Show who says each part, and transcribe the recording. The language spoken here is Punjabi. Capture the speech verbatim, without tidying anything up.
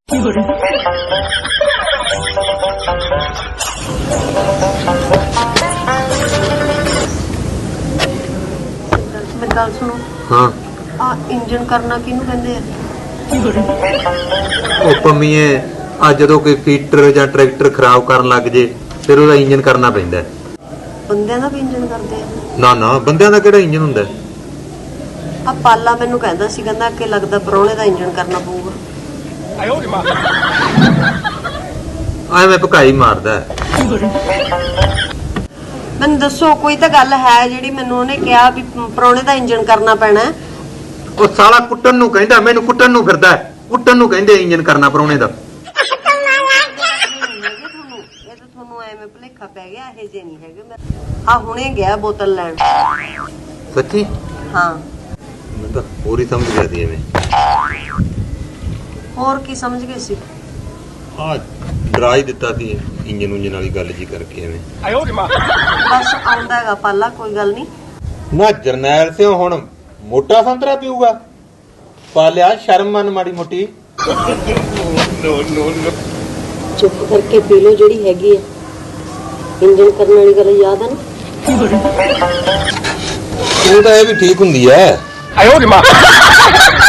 Speaker 1: मेरी गल सुनो।
Speaker 2: हाँ
Speaker 1: आ इंजन करना किनू कहंदे आ?
Speaker 2: ओ पम्मीए आ जदों कोई फीटर जां ट्रैक्टर खराब करन लग जे फिर ओहदा इंजन करना पैंदा है।
Speaker 1: बंदियां दा भी इंजन करदे आ?
Speaker 2: ना ना बंदियां दा किहड़ा इंजन हुंदा है?
Speaker 1: आ पाला मैनू कहंदा सी, कहंदा कि लगदा परौणे दा इंजन करना पऊगा।
Speaker 2: ਐਵੇਂ ਭਕਾਈ ਮਾਰਦਾ ਹੈ।
Speaker 1: ਮੈਨੂੰ ਦੱਸੋ ਕੋਈ ਤਾਂ ਗੱਲ ਹੈ ਜਿਹੜੀ ਮੈਨੂੰ ਉਹਨੇ ਕਿਹਾ ਵੀ ਪਰੌਣੇ ਦਾ ਇੰਜਨ ਕਰਨਾ ਪੈਣਾ ਹੈ।
Speaker 2: ਉਹ ਸਾਲਾ ਕੁੱਟਣ ਨੂੰ ਕਹਿੰਦਾ, ਮੈਨੂੰ ਕੁੱਟਣ ਨੂੰ ਫਿਰਦਾ ਹੈ। ਕੁੱਟਣ ਨੂੰ ਕਹਿੰਦੇ ਇੰਜਨ ਕਰਨਾ ਪਰੌਣੇ ਦਾ।
Speaker 1: ਇਹ ਤਾਂ ਤੁਹਾਨੂੰ ਐਵੇਂ ਭੁਲੇਖਾ ਪੈ ਗਿਆ, ਇਹ ਜੇ ਨਹੀਂ ਹੈਗੇ। ਆ ਹੁਣੇ ਗਿਆ ਬੋਤਲ ਲੈਣ।
Speaker 2: ਸੱਚੀ?
Speaker 1: ਹਾਂ।
Speaker 2: ਮੈਂ ਤਾਂ ਹੋਰ ਹੀ ਸਮਝ ਗਿਆ ਸੀ ਐਵੇਂ।
Speaker 1: ਹੋਰ ਕੀ ਸਮਝ ਗਏ ਸੀ?
Speaker 2: ਆ ਡਰਾ ਹੀ ਦਿੱਤਾ ਸੀ ਇੰਜਨ ਉਂਜਨ ਵਾਲੀ ਗੱਲ ਜੀ ਕਰਕੇ ਐਵੇਂ।
Speaker 1: ਬਸ ਆਉਂਦਾ ਹੈਗਾ ਪਾਲਾ, ਕੋਈ ਗੱਲ ਨਹੀਂ।
Speaker 2: ਨਾ ਜਰਨੈਲ ਸਿੰਘ ਹੁਣ ਮੋਟਾ ਸੰਤਰਾ ਪੀਊਗਾ? ਪਾਲਿਆ ਸ਼ਰਮ ਮੰਨ ਮਾੜੀ ਮੋਟੀ।
Speaker 1: ਚੁੱਪ ਕਰਕੇ ਪੀ ਲਓ ਜਿਹੜੀ ਹੈਗੀ ਹੈ। ਇੰਜਨ ਕਰਨ ਵਾਲੀ ਗੱਲ ਯਾਦ ਆ ਨਾ?
Speaker 2: ਉਹ ਤਾਂ ਇਹ ਵੀ ਠੀਕ ਹੁੰਦੀ ਹੈ।